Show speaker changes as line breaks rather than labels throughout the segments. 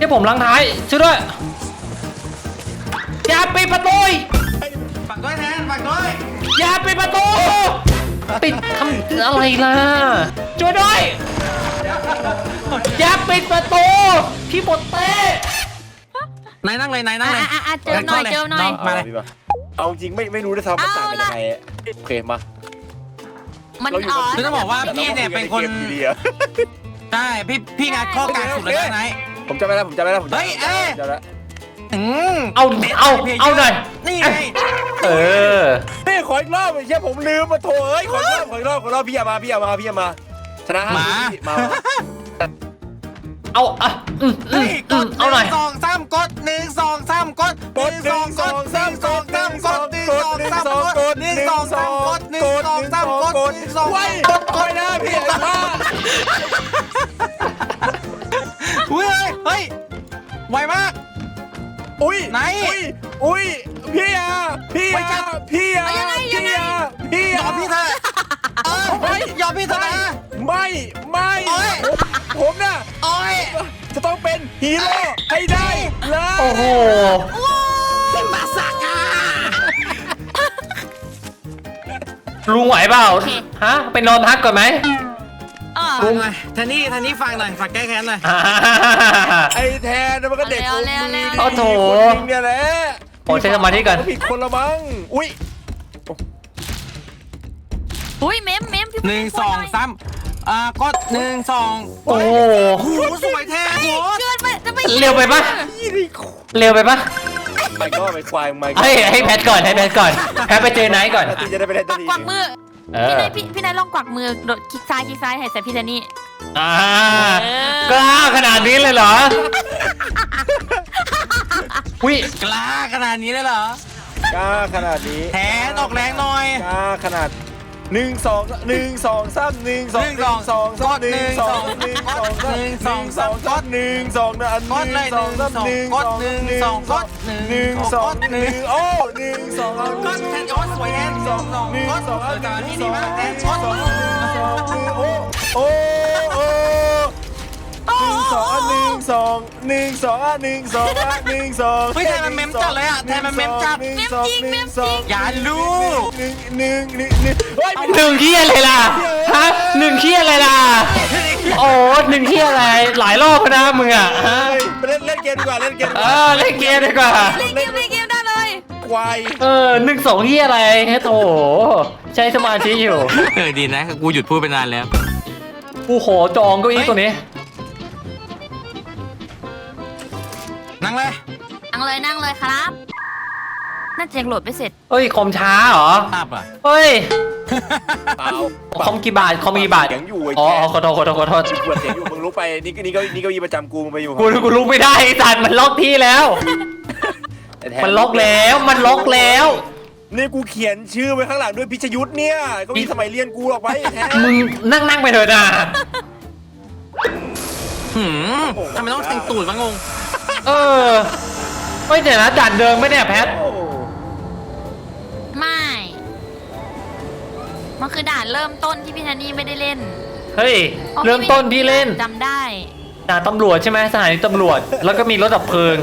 ที่ผมลังท้ายช่วยด้วยอย่าปิดประตู
ฝากด้วยแทนฝากด้วย
อย่าปิดประตูปิดทำอะไรล่ะช่วยด้วยอย่าปิดประตูพี่บดเต้
นายนั่งเลยนายนั่งเลย
เจิมหน่อยเจิมหน่อย
มาเลย
เอาจริงไม่รู้ด้วยซ้ำมันต่างกันยังไงโอเคมา
มันอ่อน
คือต้องบอกว่าพี่เนี่ยเป็นคนใช่พี่งัดข้อกลางสุดเลยนะนาย
ผมจำไม่ได้ผมจำไม่ได้ผมจำ
เฮ้ย
จำได้
เอาหน่อย
นี่ไง
เออ
นี่ขออีกรอบไอ้เชี่ยผมลืมมาโถเอ้ยขออีกรอบพี่อย่ามาชนะมา
เอาเอาหน่อย
1 2 3กด1 2 3กด1 2 กด1 2 3กด1 2 3กด1 2 3กด1 2 3กด1 2
ไว้คอยนะพี่มา
เฮ้ยไวมาก
อุ้ย
ไหน
อุ้ยพี่อ่ะ
ไม่ใช่
ยอม
พี่เธอยอมพี่เธอนะ
ไม่ผมน่ะ
โอ้ย
จะต้องเป็นฮีโร่ให้ได้เลย
โอ้โห
มาสักอ่ะ
ลุงไหวเปล่าฮะไปนอนพักก่อนไหม
ลุงไงท่านี่ฟังหน่อยฝากแก้แค้นหน่อย
ไอ้แทนมันก็เด็กคนนี้
โอ้โถ
เนี่ยแหละ
โอ้ใช้สมาธิก่อน
ผิดคนละมั้งอุ้ย
อุ้ยเมมพี่
1 2 3กด1 2
โอ้โห
โหสวยแท้โห
เกินไปจะไป
เร็วไปปะเร็วไปปะ
ไม่ก็ไปควายไม่
ให้แพทก่อนแพทไปเจอไนท์ก่อน
ตีจะได้ไปได้
กวักมือ
เออ
พี่นายลองกวักมือโดดคลิกซ้ายให้ใส่พี่เจนี่
กล้าขนาดนี้เลยเหรอวิ
กล้าขนาดนี้เลยเหรอก
ล้าขนาดนี้
แทนออกแรงหน่อย
กล้าขนาด1 2 1 2 3 1 2 1 2 1 2 1 2 1 2 1 2 1 2 1 2นะอัน
กดเลย1 2กด1 2กด1 2 1
โอ้1 2
กดแทนโอ้สวยแทน2 กดจานนี้ดีมากแทนกด
โอ้โอ้โอ้1 2 1 2 1 2
เฮ้ยแทนมันเมมจัดเลยอ่ะแทนมันเมมจัดอย่าลูก
1 เฮ้ย
หนึ่งที่อะไรล่ะฮะหนึ่งที่อะไรล่ะโอ้หนึ่งที่อะไรหลายรอบนะมึงอ่ะฮะ
เล่นเกมดีกว่าเล่นเกม
เล่นเกมดีกว่า
เล่นเกมได้เลย
ควาย
1 2ที่อะไรให้โถใช้สมาธิอยู่
ดีนะกูหยุดพูดไปนานแล้ว
กูขอจองเก้าอี้ตัวนี้
นั่งเลย
นั่งเลยครับน่าจะยังโหลดไม่เสร็จ
เฮ้ยคอมช้าเหรอ
ภาพอ่ะ
เฮ้ย
เปล่า
คอมกี่บาท
เสียงอยู่ไอ้
อ๋อ
แก
ขอโทษ
เปิดเสียงอยู่มึงรู้ไปนี่ก็ยีประจำกูมึงไปอยู่
กูลุกไม่ได้สัตว์มันล็อกที่แล้ว มันล็อกแล้ว
นี่กูเขียนชื่อไว้ข้างหลังด้วยพิชยุทธ์เนี่ยก็มีสมัยเรียนกูหรอกไว้แท้
มึงนั่งไปเถอะนะ
ทำไมต้องแต่งตูดวะงง
ไม่เดี๋ยวนะด่านเดิมไม่เนี่ยแพท
ไม่มันคือด่านเริ่มต้นที่พี่ทันนี่ไม่ได้เล่น
เฮ้ยเริ่มต้นที่เล่น
จำได้
ด่านตำรวจใช่ไหมสถานีตำรวจแล้วก็มีรถดับเพลิง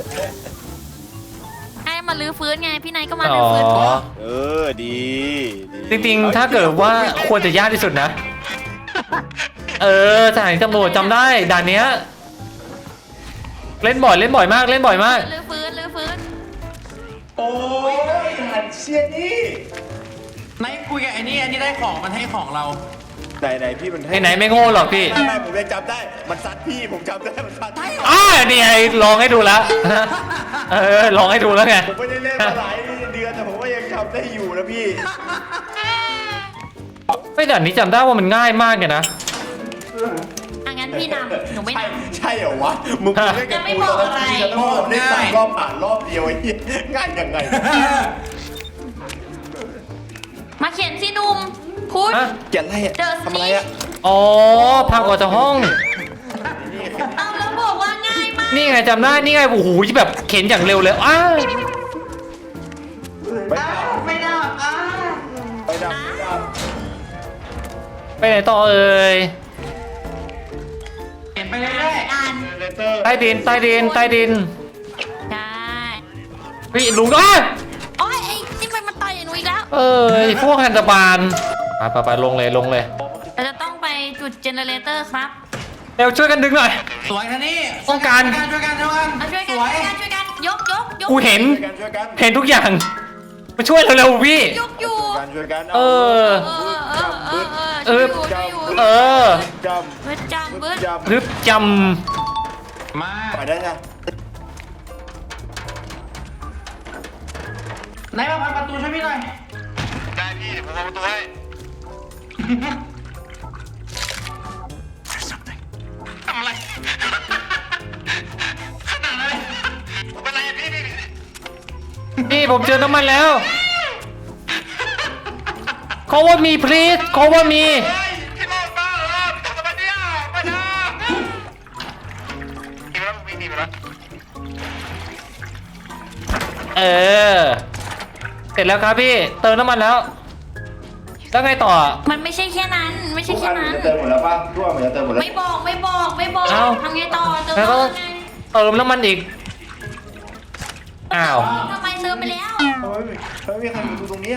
ให้มาลื้อฟื้นไงพี่นายก็มาลื้อฟื้น
ดี
จริงๆถ้าเกิดว่าควรจะยากที่สุดนะสถานีตำรวจจำได้ด่านเนี้ยเล่นบ่อยมาก
ลื้อฟื้น
โอ้ยหันเชียนี่
ไหนคุยกับไอ้นี่ได้ของมันให้ของเรา
ไหนพี่มันให้
ไหนไม่โง่หรอกพี่
ไม่ผมยังจำได้มันซัดพี่ผมจำได้มันซัด
นี่ไงลองให้ดูแล้วลองให้ดูแล้วไง
ผมไม่ได้เล่นมาหลายเดือนแต่ผมก็ยังจำได้อยู่นะพี่
ไม่ด่านนี้จำได้ว่ามันง่ายมากเลยนะ
งั้นพี่นำหนูไม่นำ
ใช่เหรอวะมึงเล่นกับกูตอนนั้นแล้วผมได้3 รอบผ่านรอบเดียวไอ้เหี้ยง่ายยังไง
มาเขียนสิหนุ่มพูด
เขียนอะไรทำอะไรอ่ะ
อ๋อพังออกจากห้อง
เอาแล้วบอกว่าง่ายมาก
นี่ไงจำได้นี่ไงโอ้โหแบบเข็นอย่างเร็วเลย
ไม่ดับไป
ไปไหนต่อเอ่ย
เห็นนไปเรื่อย
อ่าน
เลเตอร์
ใต้ดินใต้ดินใต้ดิน
ใช่
พี่ลุงก็
โอ้ยไอ้นี่มันมาต่อยหนูอีกแล้ว
ไอ้พวกฮันตบานไปลงเลยลงเลย
เราจะต้องไปจุดเจเนเรเตอร์ครับ
เร็วช่วยกันดึงหน่อย
ๆสวยคันนี้
ต้องการ
ช่วยกันช่วยกัน
มาช่วย
ส
กัน
วย
ช่วยกันยก
กูเห็น
ช่วยกัน
เห็นทุกอย่างมาช่วยเร็วๆพี่
ยกอยู่
ช่วยกัน
เออ
ช่วยอยู่
เออ
จ
เบิดจำ
ำ
เบิด
จำ
รึบจ
มา
ไปได้ไง
ไหนมาพันประตูช่วยพี่หน่อย
ได้พี่ผมเอาประตูให้
ทำอะไรขนาดอะไรเป็นไรพี่
ำพี่ผมเจอน้ำมันแล้ว cover me please cover me
พี่โลดบ้าเหรอทำไมเนี่ยไม่ได้มีแล้วมีแล้ว
เสร็จแล้วครับพี่เติมน้ำมันแล้วแล้วไงต่อ
มันไม่ใช่แค่นั้น ไม่ใช่แค่นั้น
จะเติมหมดแล้วป่ะทั่วมันจะเติมหมดแล้ว
ไม่บอก
เอ้า
ทำไงต่อเติม
แล้วก็
ไง
เติมน้ำมันอีกอ้าว
ทำไมเติมไปแล้ว
เฮ้ยมีใครอยู่ตรงนี้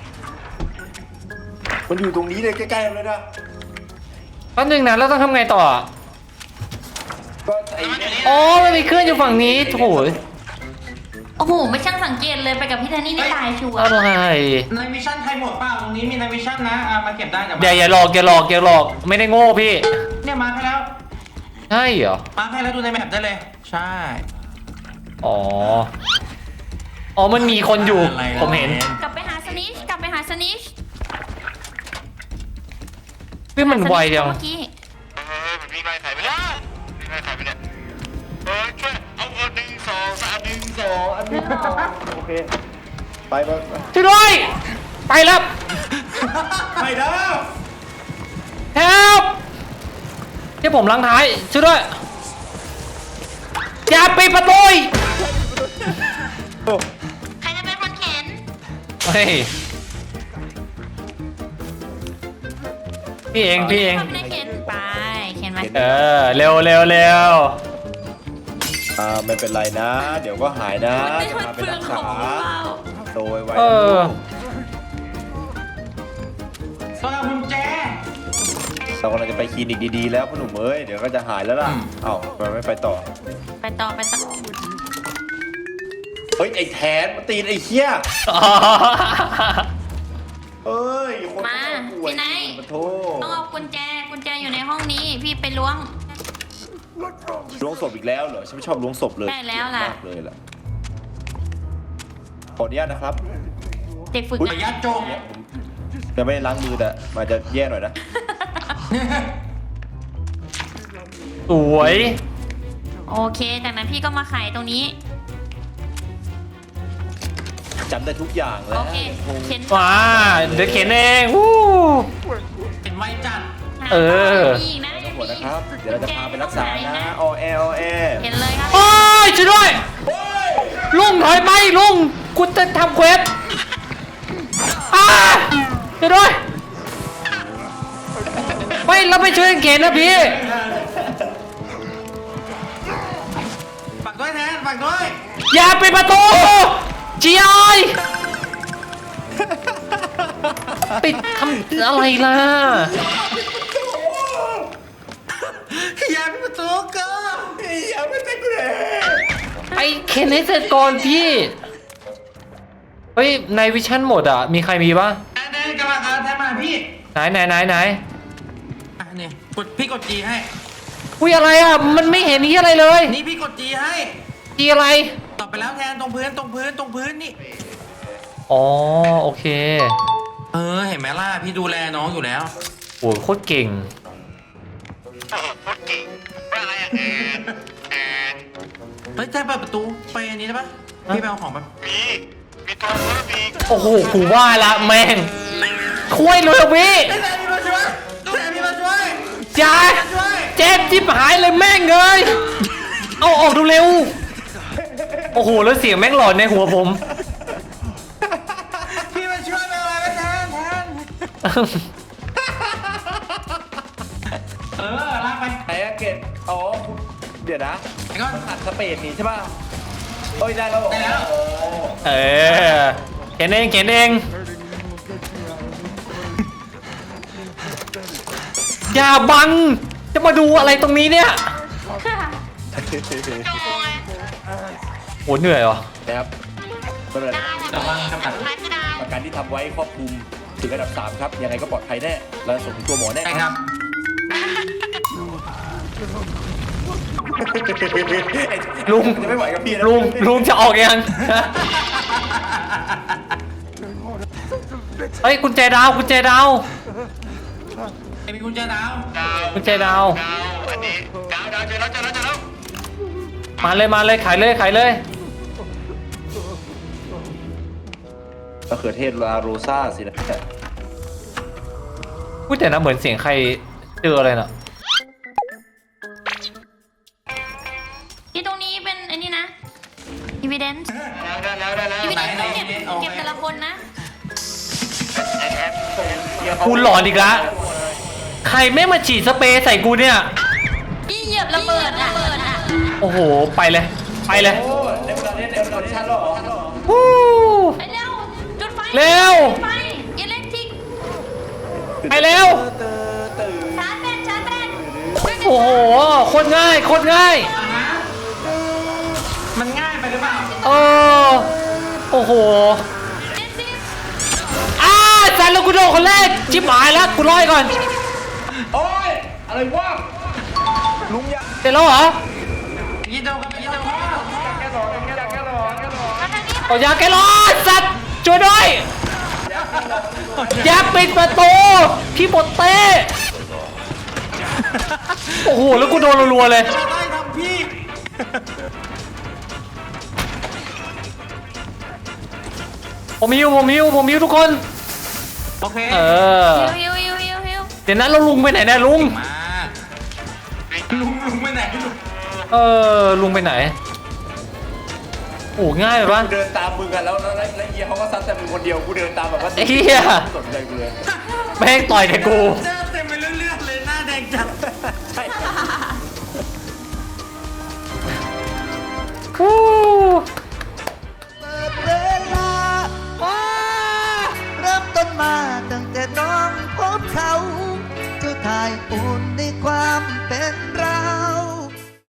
มันอยู่ตรงนี้เลยใกล้ๆเลยนะ
แป๊บนึงนะแล้วต้องทำไงต่อ
ก็ไอ้เนี่ย
อ๋อมันมีเครื่องอยู่ฝั่งนี้โถ่
โอ้โห ไม่ช่างสังเกตเลยไปกับพี่แทนนี่นี่ตายชัวร์
อะไร
ในวิชั่นใครหมดเปล่าตรงนี้มีในวิชั่นนะมาเก็บได้แต่
อย่าหลอกไม่ได้โง่พี่
เนี่ยมาให้แล้ว
ใช่เหรอ
มาให้แล้วดูในแมปได้เลย ใช่
อ๋อมันมีคนอยู่ผมเห็น
กลับไปหาสนิชกลับไปหาสนิช
พี่มันไวจัง
เมื่อกี้
มันวิ่งไล่ใครไปแล้ววิ่งไล่ใครไปเนี่ยช่วยเอา1 2 3 1 2อันนี้โอเคไปไป
ช่วยด้วยไปแล้ว
ไปเด้อ
help ที่ผมล้างท้ายช่วยด้วยอย่าปิดประตูอีก
ใครจะเป็นคนเข็น
เฮ้ยพี่เอง
ใครเป็นคนเข็นไปเข็นไหม
เร็ว
ไม่เป็นไรนะ เดี๋ยวก็หายนะจะพาไปรักษาโดยไว้
สำหรับกุญแจ
เรากำลังจะไปคลินิกดีๆแล้วพ่อหนุ่มเอ้ยเดี๋ยวก็จะหายแล้วล่ะเอ้าทำไมไม่ไปต่อ
ไปต่อ
เฮ้ยไอ้แทนมาตีนไอ้เหี้ยเอ้ยคน
มา
ป่วย
พี่ไนท์
ขอโทษ
ต้องเอากุญแจอยู่ในห้องนี้พี่ไปล้วง
ล้วงศพอีกแล้วเหรอฉันไม่ชอบล้วงศพเลย
ใช่แล้วล่ะ
มากเลยล่ะขออนุญาตนะครับ
เด็กฝึก
ระ
งาน
ยะโจง
เนี่ยผมจะไม่ได้ล้างมือแต่มันจะแย่หน่อยนะ
สวย
โอเคจากนั้นพี่ก็มาไขตรงนี้
จำได้ทุกอย่างแล้ว
โอเคเข็น
ว้าเดี๋ยวเข็นเองวู้
เป็นไวจัด
มีอีกนะ
หมดนะครับเดี๋ยวเราจะพาไปรักษานะอแออแอ
เข็นเลยครับ
โอ้ยช่วยด้วยลุงถอยไปลุงกูจะทำเควสช่วยด้วยไม่เราไปช่วยกันเข็นนะพี่
ฝากด้วยแทนฝากด้วย
อย่าปิดประตูจีไอปิดทำอะไรล่ะ
อย่าเป็นประตูเกิน
อย่าไม่เต็มเลย
ไอเข็นให้เสร็จก่อนพี่เฮ้ยในวิชั่นหมดอ่ะมีใครมีปะ
แทนกำลังแทนมาพี่
ไหน
นี่พี่กดจีให้
อุ้ยอะไรอ่ะมันไม่เห็นนี่อะไรเลย
นี่พี่กดจีให้
จีอะไร
ตอบไปแล้วแทนตรงพื้นนี่
อ๋อโอเค
เห็นไหมล่ะพี่ดูแลน้องอยู่แล้ว
โอ้ยโคตรเก่ง
เฮ้ยแทนเปิดประตูไปอันนี้ได้ปะพี่ไปเอาของแบบ
มีตัวเพิ่มอีก
โอ้โหกูว่าละแม่งคุยเลยพี่
แทนพี่มาช่วยแทนพี่มาช่วย
จ้าเจ็บจิบหายเลยแม่งเลยเอาออกดูเร็วโอ้โหแล้วเสียงแม่งหลอนในหัวผม
พี่มาช่วยไปอะไรแทนลากไป
ไหนอะเกตอ๋อ
เดี๋ยวนะไอ้ก้อนอัดสเปดนี่ใช่ป่ะโอ้ยได้แล้วได้แล้ว
เออเขียนเองเขียนเอง อย่าบัง จะมาดูอะไรตรงนี้เนี่ยโหเหนื่อยว่ะ
นะครับก็เลยประกันที่ทำไว้ครอบคลุมถึงระดับ 3 ครับ ยังไงก็ปลอดภัยแน่แล้วส่งถึงตัวหมอแน่ครับ
ลุง
จะไม่ไหวกับพี่นะ
ลุงจะออกยัง เฮ้ยกุญแจดาวกุญแจดาว
ไอ้มีกุญแจดาว
กุญแจดาว
อันนี้ดาวเจอแล้วเจอแล้วเจอแล้ว
มาเลยขายเลยขายเลย
มะเขือเทศลาโรซ่าสินะ
พูดแต่นะเหมือนเสียงใครเจออะไรน่ะ
ที่ตรงนี้เป็นไอ้นี่นะ evidence
ได้แล้ว
evidence ต้องเก็บแต่ละคนนะ
กูหลอนอีกละใครไม่มาฉีดสเปรย์ใส่กูเนี่ย
พี่เหยียบระเบิดอ่ะ
โอ้โห ไปเลยไปเลย
โอ้ในเวลาเล่นในเวลาชันหรอ
วู้
ไปเร็ว จุดไฟ
เร็ว
จุดไฟอิเล็กทริก
ไปเร็ว
ชาร์จแบตชาร์จแบต
โอ้โหโคตรง่ายโคตรง่าย
มันง่ายไปหรือเปล่า
เออโอ้โห
70
จันแล้วกูโดนคนแรกชิบหายแล้วกูร้อยก่อน
โอ้ยอะไรวะลุงยา
เสร็จแล้วเหรอ
พี่โดกับพี่โด
เอายาแกร้อนสัตว์ช่วยด้วยอย่าปิดประตูพี่บดเต้โอ้โหแล้วกูโดนรัวๆเลย
ได้ทำพี่
ผมหิวทุกคน
โอเค
เออ
ฮิว
เดี๋ยวนั้นเราลุงไปไหนเนี่ยลุง
มาลุงไปไหนลุง
เออลุงไปไหนโอ้ง่ายเลยปะ
เดินตามมึงกันแล้วเฮียเขาก็ซัดแต่มึงคนเดียวกูเดินตามแบบว่า
ไอ้เหี้ย
สนใจกูเลย
แม่งต่อยแต่กู
เดินเต็มไปเรื่อยๆเลยหน้าแดงจัดใช่
ฮู้